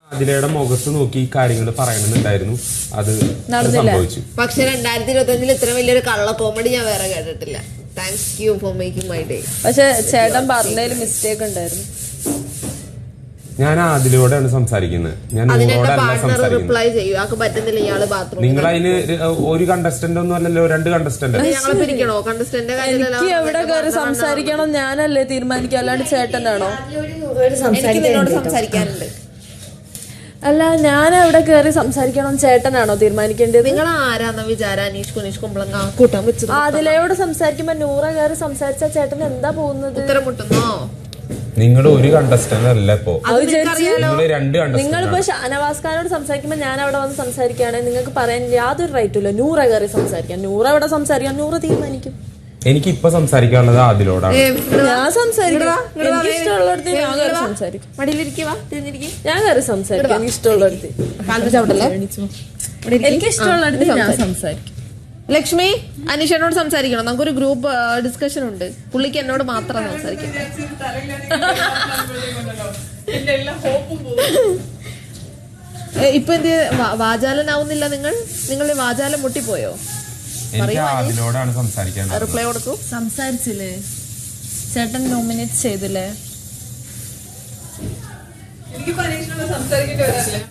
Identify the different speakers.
Speaker 1: അതിലയുടെ മുഖത്ത് നോക്കി കാര്യങ്ങൾ പറയണമെന്നുണ്ടായിരുന്നു, അത് സംഭവിച്ചു.
Speaker 2: പക്ഷെ 2025 ഇത്ര വലിയൊരു കള്ള കോമഡി ഞാൻ വേറെ കേട്ടിട്ടില്ല. Thanks you for making my day.
Speaker 3: പക്ഷെ ചേട്ടൻ പറഞ്ഞതിൽ മിസ്റ്റേക്ക് ഉണ്ടായിരുന്നു.
Speaker 1: ഞാൻ അതിലൂടെയാണ് സംസാരിക്കുന്നത്, ഞാൻ നിങ്ങളോടല്ല സംസാരിക്കുന്നത്. നിങ്ങൾ അതിന് ഒരു കണ്ടസ്റ്റന്റ് ഒന്നും അല്ലല്ലോ, 2 കണ്ടസ്റ്റന്റ്.
Speaker 3: എനിക്ക് എവിടെ കയറി സംസാരിക്കണം ഞാനല്ലേ തീരുമാനിക്കുക, അല്ലാണ്ട് ചേട്ടനാണോ?
Speaker 2: സംസാരിക്കാനുണ്ട്.
Speaker 3: അല്ല, ഞാൻ എവിടെ കയറി സംസാരിക്കണം ചേട്ടനാണോ തീരുമാനിക്കേണ്ടത്?
Speaker 2: നിങ്ങൾ ആരാന്ന വിചാരം? അനീഷ് കുനീഷ് കുമ്പളങ്ങ കൂട്ടാൻ വെച്ചത്.
Speaker 3: അതിലയോട് സംസാരിക്കുമ്പോ നൂറ കയറി സംസാരിച്ച ചേട്ടൻ എന്താ പോകുന്നത്?
Speaker 2: ഉത്തരം മുട്ടുന്നോ?
Speaker 1: നിങ്ങൾ ഒരു കണ്ടസ്റ്റന്റ് അല്ല ഇപ്പോ,
Speaker 3: നിങ്ങളിപ്പോ ഷാനവാസ് ഖാനോട് സംസാരിക്കുമ്പോ ഞാൻ അവിടെ വന്ന് സംസാരിക്കുകയാണെങ്കിൽ നിങ്ങൾക്ക് പറയാൻ യാതൊരു റൈറ്റും ഇല്ല. നൂറ കയറി സംസാരിക്കാൻ, നൂറ എവിടെ സംസാരിക്കാൻ നൂറ തീരുമാനിക്കും.
Speaker 1: എനിക്ക് ഇപ്പൊ സംസാരിക്കാനുള്ളത് അതിലോടാണ്.
Speaker 3: ഞാൻ സംസാരിക്കാം, എനിക്ക് ഇഷ്ടമുള്ളടത്ത് ഞാൻ കയറി സംസാരിക്കും. ഞാൻ കയറി സംസാരിക്കും, എനിക്ക് ഇഷ്ടമുള്ളടത്ത്. എനിക്ക് ഇഷ്ടമുള്ളടത്ത് ഞാൻ സംസാരിക്കും.
Speaker 2: ലക്ഷ്മി, അനീഷനോട് സംസാരിക്കണം, നമുക്കൊരു ഗ്രൂപ്പ് ഡിസ്കഷൻ ഉണ്ട്. പുള്ളിക്ക് എന്നോട് മാത്രം സംസാരിക്കാം. ഇപ്പൊ എന്ത് വാചാലനാവുന്നില്ല? നിങ്ങളുടെ വാചാലം മുട്ടിപ്പോയോ? റിപ്ലൈ കൊടുക്കൂ.
Speaker 3: സംസാരിച്ചില്ലേ ചേട്ടൻ? നോമിനേറ്റ് ചെയ്തില്ലേ?